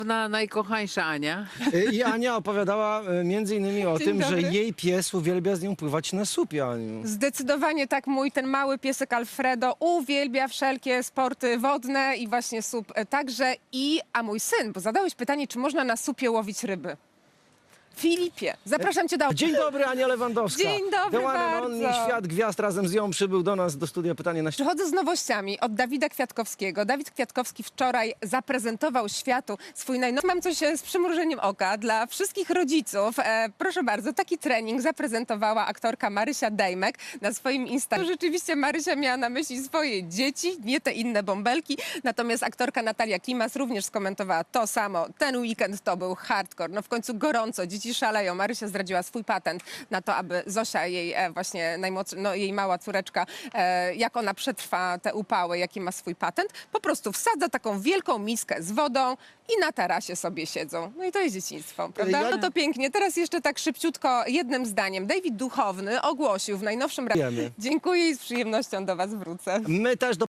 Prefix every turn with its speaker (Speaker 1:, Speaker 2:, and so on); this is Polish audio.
Speaker 1: Najkochańsza Ania.
Speaker 2: I Ania opowiadała między innymi o
Speaker 3: Dzień
Speaker 2: tym, że
Speaker 3: dobry.
Speaker 2: jej pies uwielbia z nią pływać na supie, Aniu.
Speaker 3: Zdecydowanie tak, ten mały piesek Alfredo uwielbia wszelkie sporty wodne i właśnie SUP także. A mój syn, bo zadałeś pytanie, czy można na supie łowić ryby. Filipie, zapraszam cię do...
Speaker 2: Dzień dobry, Ania Lewandowska.
Speaker 3: Dzień dobry
Speaker 2: The one and only
Speaker 3: bardzo.
Speaker 2: Świat Gwiazd razem z nią przybył do nas do studia Pytanie na
Speaker 3: Przychodzę z nowościami od Dawida Kwiatkowskiego. Dawid Kwiatkowski wczoraj zaprezentował światu swój najnowszy... Mam coś z przymrużeniem oka dla wszystkich rodziców. Proszę bardzo, taki trening zaprezentowała aktorka Marysia Dejmek na swoim Instagramie. Rzeczywiście Marysia miała na myśli swoje dzieci, nie te inne bąbelki. Natomiast aktorka Natalia Klimas również skomentowała to samo. Ten weekend to był hardcore. No w końcu gorąco, dzieci szaleją. Marysia zdradziła swój patent na to, aby Zosia, jej właśnie najmłodsza, no jej mała córeczka, jak ona przetrwa te upały, jaki ma swój patent, po prostu wsadza taką wielką miskę z wodą i na tarasie sobie siedzą. No i to jest dzieciństwo, prawda? No to pięknie. Teraz jeszcze tak szybciutko, jednym zdaniem. David Duchowny ogłosił w najnowszym...
Speaker 2: Wiemy.
Speaker 3: Dziękuję i z przyjemnością do was wrócę.
Speaker 2: My też do